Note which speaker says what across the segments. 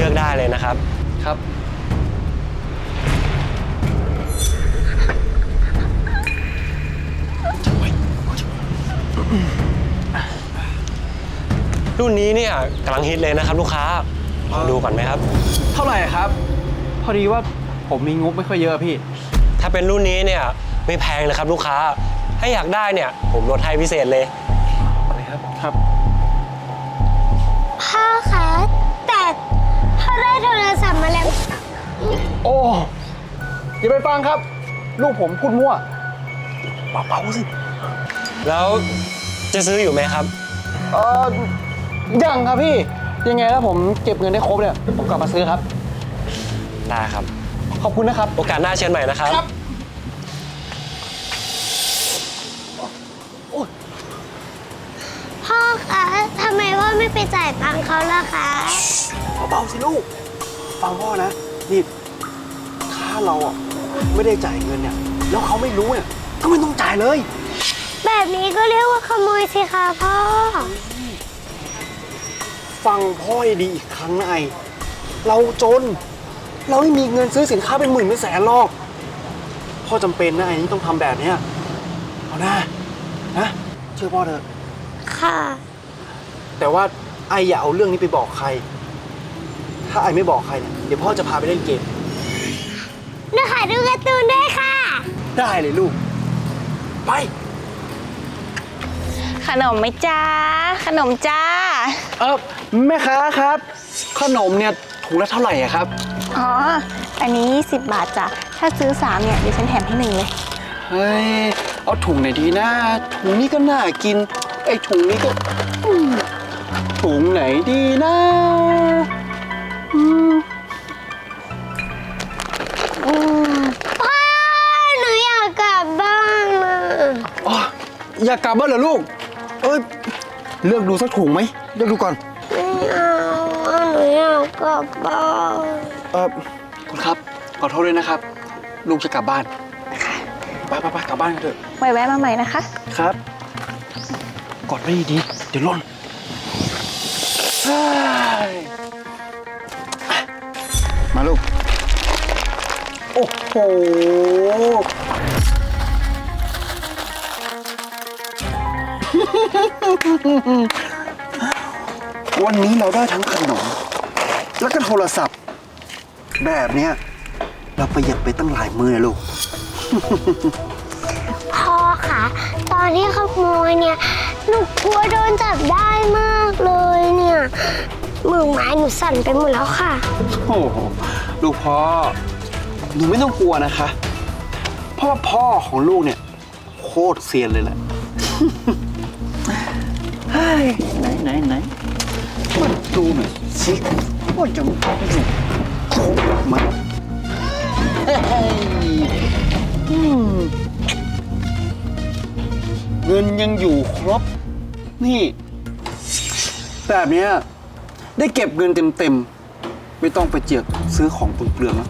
Speaker 1: ลือกได้เลยนะครับ
Speaker 2: ครับ
Speaker 1: รุ่นนี้เนี่ยกำลังฮิตเลยนะครับลูกค้าลองดูก่อนไหมครับ
Speaker 2: เท่าไหร่ครับพอดีว่าผมมีงบไม่ค่อยเยอะพี่
Speaker 1: ถ้าเป็นรุ่นนี้เนี่ยไม่แพงเลยครับลูกค้าถ้าอยากได้เนี่ยผมลดให้พิเศษเลย
Speaker 2: อะไรครับครับ
Speaker 3: พ่อคะแต่พ่อได้โทรศัพท์มาแล้ว
Speaker 2: โอ้อย่าไปฟังครับลูกผมพูดมั่วเบาๆสิ
Speaker 1: แล้วจะซื้ออยู่ไหมครับ
Speaker 2: ยังครับพี่ยังไงแล้วผมเก็บเงินได้ครบเนี่ยผมกลับมาซื้อครับ
Speaker 1: ได้ครับ
Speaker 2: ขอบคุณนะครับ
Speaker 1: โอกาสหน้าเชิญใหม่นะครับ
Speaker 3: พ่อคะทำไมพ่อไม่ไปจ่ายตังค์เขาล่ะคะ
Speaker 2: เบาๆสิลูกฟังพ่อนะนี่ถ้าเราไม่ได้จ่ายเงินเนี่ยแล้วเขาไม่รู้เนี่ยก็ไม่ต้องจ่ายเลย
Speaker 3: แบบนี้ก็เรียกว่าขโมยสิคะพ่อ
Speaker 2: ฟังพ่อดีอีกครั้งนะไอเราจนเราไม่มีเงินซื้อสินค้าเป็นหมื่นเป็นแสนหรอกพ่อจำเป็นนะไอ้นี่ต้องทำแบบนี้เอานะเชื่อพ่อเถอะ
Speaker 3: ค่ะ
Speaker 2: แต่ว่าไออย่าเอาเรื่องนี้ไปบอกใครถ้าไอไม่บอกใครเนี่ยเดี๋ยวพ่อจะพาไปเล่นเกม
Speaker 3: หนูขอดูการ์ตูนด้วยค่ะ
Speaker 2: ได้เลยลูกไป
Speaker 4: ขนมไหมจ้าขนมจ้า
Speaker 2: แม่ค้าครับขนมเนี่ยถุงละเท่าไหร่อะครับ
Speaker 4: อ๋ออันนี้10 บาทจ้ะถ้าซื้อ3เนี่ยเดี๋ยวฉันแถมให้1เลย
Speaker 2: เฮ้ยเอาถุงไหนดีนะถุงนี้ก็น่ากินไอ้ถุงนี้ก็ถุงไหนดีนะ
Speaker 3: พ่อหนูอยากกลับบ้าน
Speaker 2: อยากกลับบ้านเหรอลูกเลือกดูสักถุงไหมเลือกดูก่อน
Speaker 3: ไม่เอาหนูอยากกลับบ้าน
Speaker 2: คุณครับขอโทษด้วยนะครับลูกจะกลับบ้านไปกลับบ้านกันเถอะ
Speaker 4: ไว้แวะมาใหม่นะคะ
Speaker 2: ครับกดไว้ดีเดี๋ยวล่นมาลูกโอ้โหวันนี้เราได้ทั้งขนมแล้วก็โทรศัพท์แบบเนี้ยเราประหยัดไปตั้งหลายมื้อเลยลูก
Speaker 3: พ่อคะตอนที่ขโมยเนี่ยหนูกลัวโดนจับได้มากเลยเนี่ยมือไม้หนูสั่นไปหมดแล้วค่ะ
Speaker 2: โอ้โหลูกพ่อหนูไม่ต้องกลัวนะคะเพราะว่าพ่อของลูกเนี่ยโคตรเซียนเลยแหละไหนมาดูหน่อยสิว่าจะอยู่ครบไหมเงินยังอยู่ครบนี่แบบนี้ได้เก็บเงินเต็มไม่ต้องไปเจียดซื้อของเปลืองๆแล้ว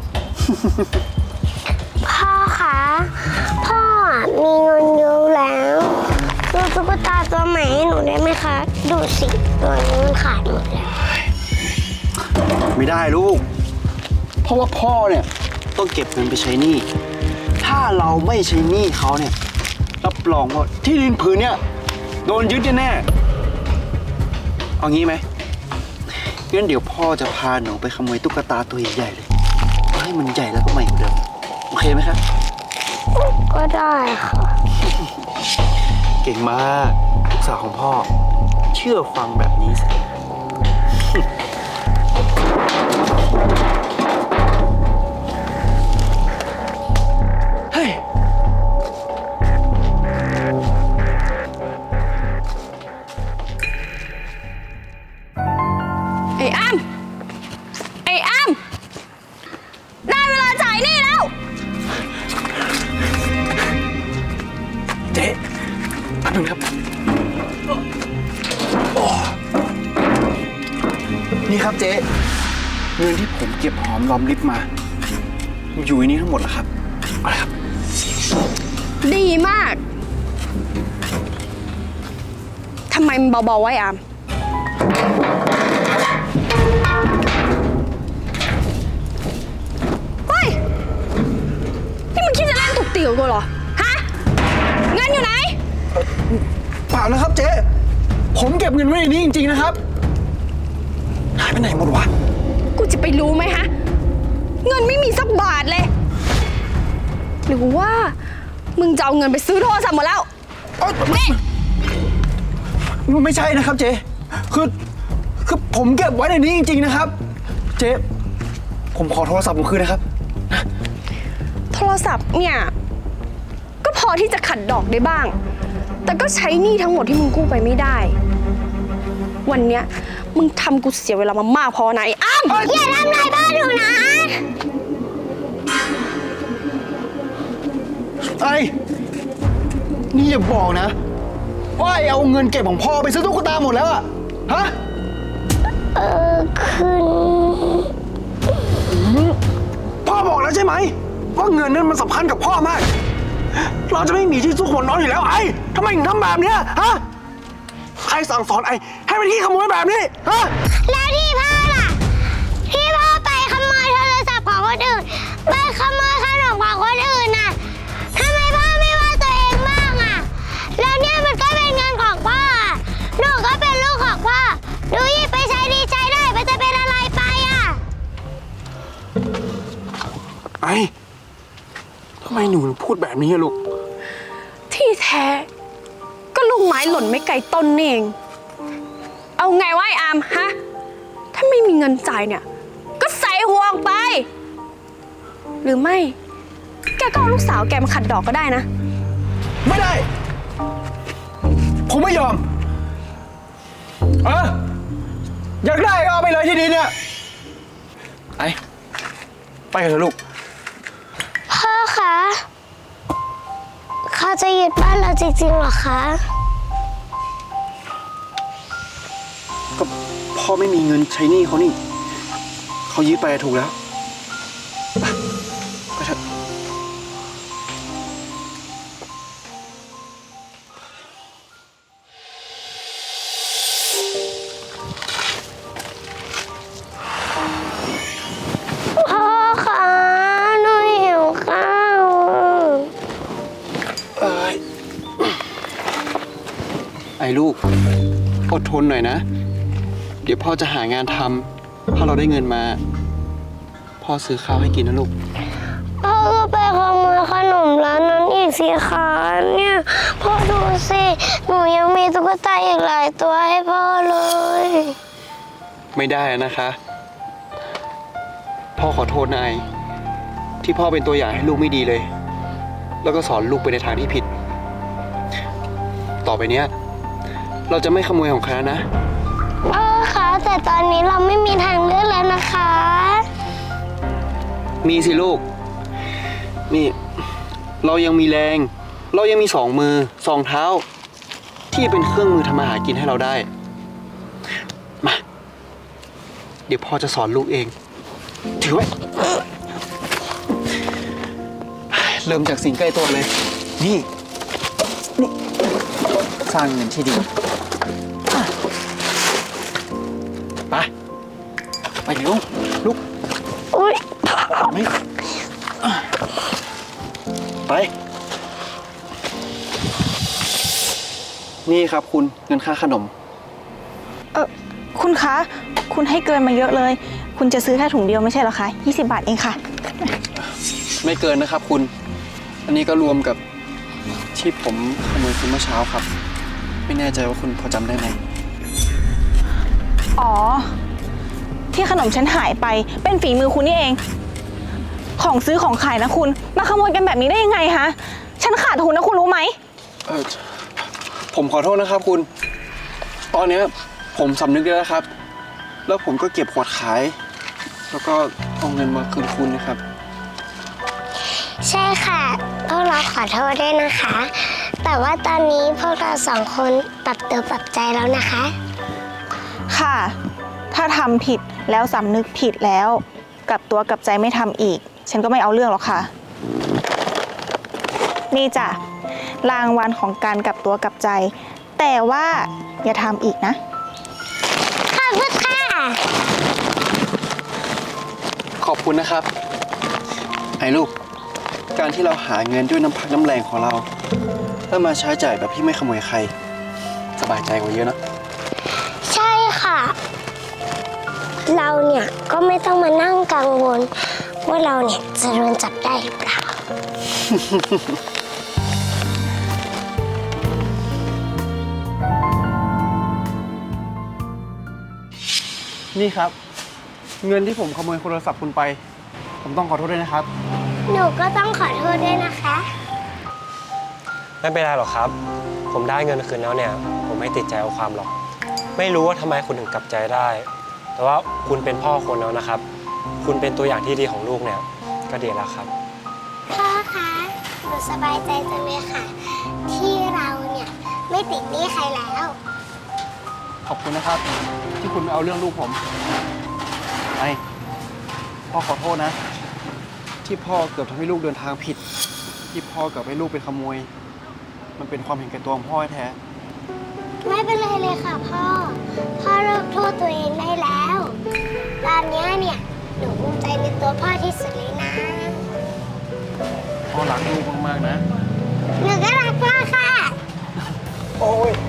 Speaker 3: พ่อคะพ่อมีเงินเยอะแล้วดูตุ๊กตาตัวใหม่ให้หนูได้ไหมคะดูสิตัวนี้มันขาดหมดแล้ว
Speaker 2: ไม่ได้ลูกเพราะว่าพ่อเนี่ยต้องเก็บเงินไปใช้หนี้ถ้าเราไม่ใช้หนี้เขาเนี่ยรับรองว่าที่ดินผืนเนี่ยโดนยึดแน่เอางี้ไหมงั้นเดี๋ยวพ่อจะพาหนูไปขโมยตุ๊กตาตัวใหญ่ๆเลยให้มันใหญ่แล้วก็ใหม่เหมือนเดิมโอเคไหมครับ
Speaker 3: ก็ได้ค่ะ
Speaker 2: เก่งมากลูกสาวของพ่อเชื่อฟังแบบนี้สิเฮ้ย
Speaker 4: ไอ้อ้ำได้เวลาจ่ายหนี้แล้ว
Speaker 2: เจ๊แป๊บนึงครับนี่ครับเจ๊เงินที่ผมเก็บหอมรอมริบมาอยู่ในนี้ทั้งหมดแล้วครับเอาละครับ
Speaker 4: ดีมากทำไมมันเบาๆไว้อาม
Speaker 2: ผมเก็บเงินไว้ในนี้จริงๆนะครับ หายไปไหนหมดวะ
Speaker 4: กูจะไปรู้ไหมฮะ เงินไม่มีสักบาทเลย หรือว่ามึงจะเอาเงินไปซื้อโทรศัพท์หมดแล้วนี่
Speaker 2: ไม่ใช่นะครับเจ๊คือผมเก็บไว้ในนี้จริงๆนะครับ เจ๊ผมขอโทรศัพท์ผมคืนนะครับ
Speaker 4: โทรศัพท์เนี่ย ก็พอที่จะขัดดอกได้บ้าง แต่ก็ใช้หนี้ทั้งหมดที่มึงกู้ไปไม่ได้ วันเนี้ยมึงทำกูเสียเวลามามากพอนะไอ้อ้ำ
Speaker 3: อย่าทำร้ายพ่อหนูนะ
Speaker 2: ไอ้นี่อย่าบอกนะว่าไอ้เอาเงินเก็บของพ่อไปซื้อตุ๊กตาหมดแล้วอะฮะ
Speaker 3: คือ
Speaker 2: พ่อบอกแล้วใช่ไหมว่าเงินนั้นมันสำคัญกับพ่อมาก เราจะไม่มีที่ซุกหัวนอนอยู่แล้วไอ้ทำไมถึงทำแบบเนี้ยฮะใครสั่งสอนไอ้ให้เป็นที่ขโมยแบบนี้ฮะ
Speaker 3: แล้วที่พ่อล่ะ ที่พ่อไปขโมยโทรศัพท์ของคนอื่น ไปขโมยขนมของคนอื่นน่ะทำไมพ่อไม่ว่าตัวเองบ้างอ่ะ แล้วเนี่ยมันก็เป็นเงินของพ่ออะหนูก็เป็นลูกของพ่อหนูหยิบไปใช้ดีใช้ได้มันจะเป็นอะไรไปอ่ะ
Speaker 2: ไอ้ทำไมหนูถึงพูดแบบนี้อะลูก
Speaker 4: ที่แท้ก็ลูกไม้หล่นไม่ไกลต้นนี่เอง เอาไงวะไอ้อามฮะ ถ้าไม่มีเงินจ่ายเนี่ย ก็ใส่หัวออกไป หรือไม่ แกก็เอาลูกสาวแกมาขัดดอกก็ได้นะ
Speaker 2: ไม่ได้ ผมไม่ยอมอยากได้ก็เอาไปเลยที่ดินเนี่ยไอ้ไปกันเถอะลูก
Speaker 3: พ่อคะเขาจะยึดบ้านเราจริงๆเหรอคะ
Speaker 2: ก็พ่อไม่มีเงินใช้หนี้เขานี่ เขายึดไปถูกแล้ว ไปเถอะ
Speaker 3: พ่อคะหนูหิวข้าว
Speaker 2: ไอ้ลูก อดทนหน่อยนะ เดี๋ยวพ่อจะหางานทำถ้าเราได้เงินมา พ่อซื้อข้าวให้กินนะลูก
Speaker 3: พ่อก็ไปขโมยขนมร้านนั้นอีกสิคะเนี่ยพ่อดูสิหนูยังมีตุ๊กตาอีกหลายตัวให้พ่อเลย
Speaker 2: ไม่ได้นะคะ พ่อขอโทษนายที่พ่อเป็นตัวอย่างให้ลูกไม่ดีเลย แล้วก็สอนลูกไปในทางที่ผิด ต่อไปเนี้ย เราจะไม่ขโมยของใครแล้วนะ
Speaker 3: พ่อคะแต่ตอนนี้เราไม่มีทางเลือกแล้วนะคะ
Speaker 2: มีสิลูก นี่ เรายังมีแรง เรายังมีสองมือสองเท้า ที่เป็นเครื่องมือทำมาหากินให้เราได้ มา เดี๋ยวพ่อจะสอนลูกเอง ถือไว้ เริ่มจากสิ่งใกล้ตัวเลย นี่ สร้างเงินที่ดี ไป ไปเดี๋ยวลูก
Speaker 3: อุ๊ย
Speaker 2: ไม่ไป นี่ครับคุณเงินค่าขนม
Speaker 4: คุณคะ คุณให้เกินมาเยอะเลย คุณจะซื้อแค่ถุงเดียวไม่ใช่เหรอคะ 20 บาทเองค่ะ
Speaker 2: ไม่เกินนะครับคุณ อันนี้ก็รวมกับที่ผมขโมยคุณเมื่อเช้าครับ ไม่แน่ใจว่าคุณพอจำได้ไหม
Speaker 4: อ๋อ ที่ขนมฉันหายไปเป็นฝีมือคุณนี่เอง ของซื้อของขายนะคุณ มาขโมยกันแบบนี้ได้ยังไงคะ ฉันขาดทุนนะคุณรู้ไหม
Speaker 2: ผมขอโทษนะครับคุณ ตอนนี้ผมสำนึกได้แล้วครับ แล้วผมก็เก็บขวดขาย แล้วก็เอาเงินมาคืนคุณนะครับ
Speaker 3: ใช่ค่ะพวกเราขอโทษด้วยนะคะ แต่ว่าตอนนี้พวกเราสองคนปรับตัวปรับใจแล้วนะคะ
Speaker 4: ค่ะ ถ้าทำผิดแล้วสำนึกผิดแล้ว กลับตัวกลับใจไม่ทำอีก ฉันก็ไม่เอาเรื่องหรอกค่ะ นี่จ้ะรางวัลของการกลับตัวกลับใจ แต่ว่าอย่าทำอีกนะ
Speaker 3: ขอบคุณค่ะ
Speaker 2: ขอบคุณนะครับ ไอ้ลูก การที่เราหาเงินด้วยน้ำพักน้ำแรงของเรา แล้วมาใช้จ่ายแบบที่ไม่ขโมยใคร สบายใจกว่าเยอะนะ
Speaker 3: เราเนี่ยก็ไม่ต้องมานั่งกังวล ว่าเราเนี่ยจะโดนจับได้หรือเปล่า
Speaker 2: นี่ครับ เงินที่ผมขโมยโทรศัพท์คุณไป ผมต้องขอโทษด้วยนะครับ
Speaker 3: หนูก็ต้องขอโทษด้วยนะคะ
Speaker 1: ไม่เป็นไรหรอกครับ ผมได้เงินคืนแล้วเนี่ย ผมไม่ติดใจเอาความหรอก ไม่รู้ว่าทำไมคุณถึงกลับใจได้ แต่ว่าคุณเป็นพ่อคนแล้วนะครับ คุณเป็นตัวอย่างที่ดีของลูกเนี่ยก็ดีแล้วครับ
Speaker 3: พ่อคะหนูสบายใจจังเลยค่ะ ที่เราเนี่ยไม่ติดหนี้ใครแล้ว
Speaker 2: ขอบคุณนะครับ ที่คุณไม่เอาเรื่องลูกผมไอ้พ่อขอโทษนะ ที่พ่อเกือบทำให้ลูกเดินทางผิด ที่พ่อเกือบให้ลูกเป็นขโมย มันเป็นความเห็นแก่ตัวของพ่อแท้
Speaker 3: ไม่เป็นไรเลยค่ะพ่อ พ่อเลิกโทษตัวเองได้แล้ว ตอนเนี้ยเนี่ยหนูภูมิใจในตัวพ่อที่สุดเลยนะ
Speaker 2: พ่อรักลูกมากๆนะ
Speaker 3: หนูก็รักพ่อค่ะ
Speaker 2: โอ้ย